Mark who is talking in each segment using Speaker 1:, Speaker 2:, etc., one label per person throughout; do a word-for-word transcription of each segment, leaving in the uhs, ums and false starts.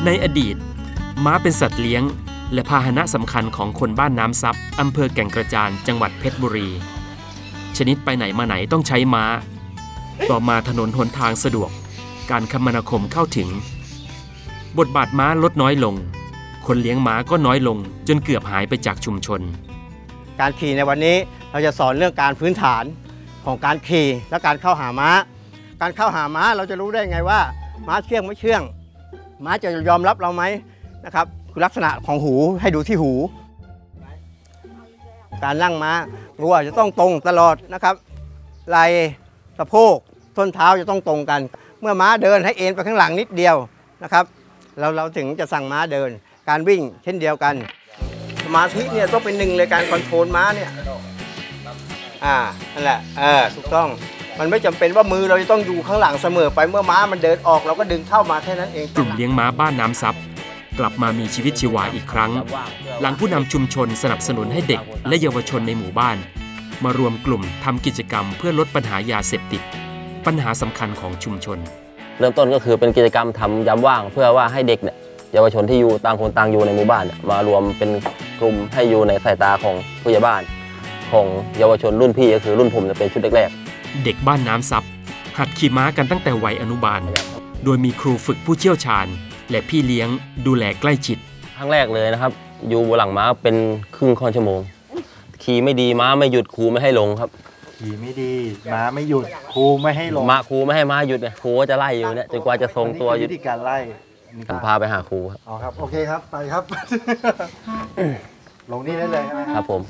Speaker 1: ในอดีตม้าเป็นสัตว์เลี้ยงและพาหนะสำคัญของคนบ้านน้ำซับอำเภอแก่งกระจานจังหวัดเพชรบุรีชนิดไปไหนมาไหนต้องใช้ม้าต่อมาถนนหนทางสะดวกการคมนาคมเข้าถึงบทบาทม้าลดน้อยลงคนเลี้ยงม้าก็น้อยลงจนเกือบหายไปจากชุมชน
Speaker 2: การขี่ในวันนี้เราจะสอนเรื่องการพื้นฐานของการขี่และการเข้าหาม้าการเข้าหาม้าเราจะรู้ได้ไงว่าม้าเชื่องไม่เชื่องม้าจะยอมรับเราไหมนะครับคือลักษณะของหูให้ดูที่หูการนั่งม้าตัวจะต้องตรงตลอดนะครับไหล่สะโพกส้นเท้าจะต้องตรงกันเมื่อม้าเดินให้เอ็นไปข้างหลังนิดเดียวนะครับเราเราถึงจะสั่งม้าเดินการวิ่งเช่นเดียวกันสมาธิเนี่ยต้องเป็นหนึ่งเลยการคอนโทรลม้าเนี่ยอ่านั่นแหละเออถูกต้องมันไม่จำเป็นว่ามือเราจะต้องอยู่ข้างหลังเสมอไปเมื่อม้ามันเดินออกเราก็ดึงเข้ามาแค่นั้นเอง
Speaker 1: กลุ่มเลี้ยงม้าบ้านน้ำซับกลับมามีชีวิตชีวาอีกครั้งหลังผู้นำชุมชนสนับสนุนให้เด็กและเยาวชนในหมู่บ้านมารวมกลุ่มทำกิจกรรมเพื่อลดปัญหายาเสพติดปัญหาสำคัญของชุมชน
Speaker 3: เริ่มต้นก็คือเป็นกิจกรรมทำยามว่างเพื่อว่าให้เด็กเนี่ยเยาวชนที่อยู่ต่างคนต่างอยู่ในหมู่บ้านมารวมเป็นกลุ่มให้อยู่ในสายตาของผู้ใหญ่บ้านของเยาวชนรุ่นพี่ก็คือรุ่นผมจะเป็นชุดแรก
Speaker 1: ๆเด็กบ้านน้ำซับหัดขี่ม้ากันตั้งแต่วัยอนุบาลโดยมีครูฝึกผู้เชี่ยวชาญและพี่เลี้ยงดูแลใกล้ชิด
Speaker 3: ครั้งแรกเลยนะครับอยู่บนหลังม้าเป็นครึ่งค่อนชั่วโมงขี่ไม่ดีม้าไม่หยุดครูไม่ให้ลงครับ
Speaker 4: ขี่ไม่ดีม้าไม่หยุดครูไม่ให้ลง
Speaker 3: ม้าครูไม่ให้ม้าหยุดเนี่ยครูก็จะไล่อยู่เนี่ยจนกว่าจะทรงตัว
Speaker 4: วิธีการไล่
Speaker 3: ผมพาไปหาครูครับ
Speaker 4: อ๋อครับโอเคครับไปครับลงนี่ได้เลยใช่ไหม
Speaker 3: ครับผม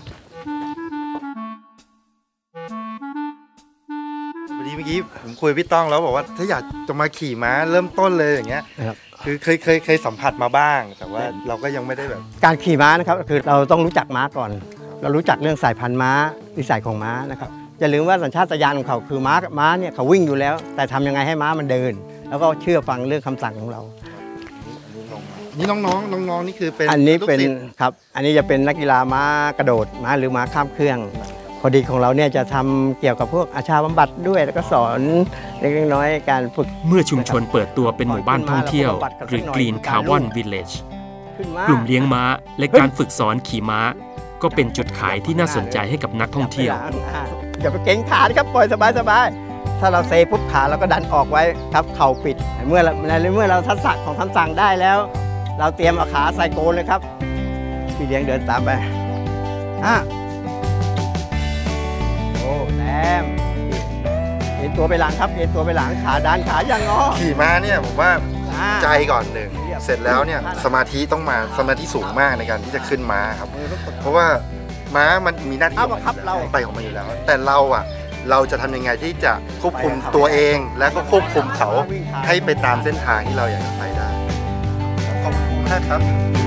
Speaker 4: วันนี้เมื่อกี้ผมคุยพี่ต้องแล้วบอกว่าถ้าอยากจะมาขี่ม้าเริ่มต้นเลยอย่างเงี้ยคือเคยเคยเคยสัมผัสมาบ้างแต่ว่าเราก็ยังไม่ได้แบบ
Speaker 2: การขี่ม้านะครับคือเราต้องรู้จักม้าก่อนเรารู้จักเรื่องสายพันธุ์ม้านิสัยของม้านะครับอย่าลืมว่าสัญชาตญาณของเขาคือม้าม้าเนี่ยเขาวิ่งอยู่แล้วแต่ทำยังไงให้ม้ามันเดินแล้วก็เชื่อฟังเรื่องคำสั่งของเรา
Speaker 4: นี่น้องๆน้องๆนี่คือเป็น
Speaker 2: อันนี้เป็นครับอันนี้จะเป็นนักกีฬาม้ากระโดดม้าหรือม้าข้ามเครื่องพอดีของเราเนี่ยจะทำเกี่ยวกับพวกอาชาบำบัดด้วยแล้วก็สอนเล็กน้อยการฝึก
Speaker 1: เมื่อชุมชนเปิดตัวเป็นหมู่บ้านท่องเที่ยวหรือ Green Carbon Village กลุ่มเลี้ยงม้าและการฝึกสอนขี่ม้าก็เป็นจุดขายที่น่าสนใจให้กับนักท่องเที่ยว
Speaker 2: อย่าไปเก่งขาครับปล่อยสบายๆถ้าเราเซปุ๊บขาเราก็ดันออกไว้ครับเข่าปิดเมื่อในเมื่อเราทักษะของคำสั่งได้แล้วเราเตรียมเอาขาใส่โกนเลยครับพี่เลี้ยงเดินตามไปอ่ะโอ้แต้มเอ็นตัวไปหลังครับเอ็นตัวไปหลังขาดันขาอย่างงอ
Speaker 4: ขี่ม้าเนี่ยผมว่าใจก่อนหนึ่งเสร็จแล้วเนี่ยสมาธิต้องมาสมาธิสูงมากในการที่จะขึ้นม้าครับเพราะว่าม้ามันมีหน้าที่ไปของมันอยู่แล้วแต่เราอ่ะเราจะทำยังไงที่จะควบคุมตัวเองและก็ควบคุมเขาให้ไปตามเส้นทางที่เราอยากจะไปได้ขอบคุณมากครับ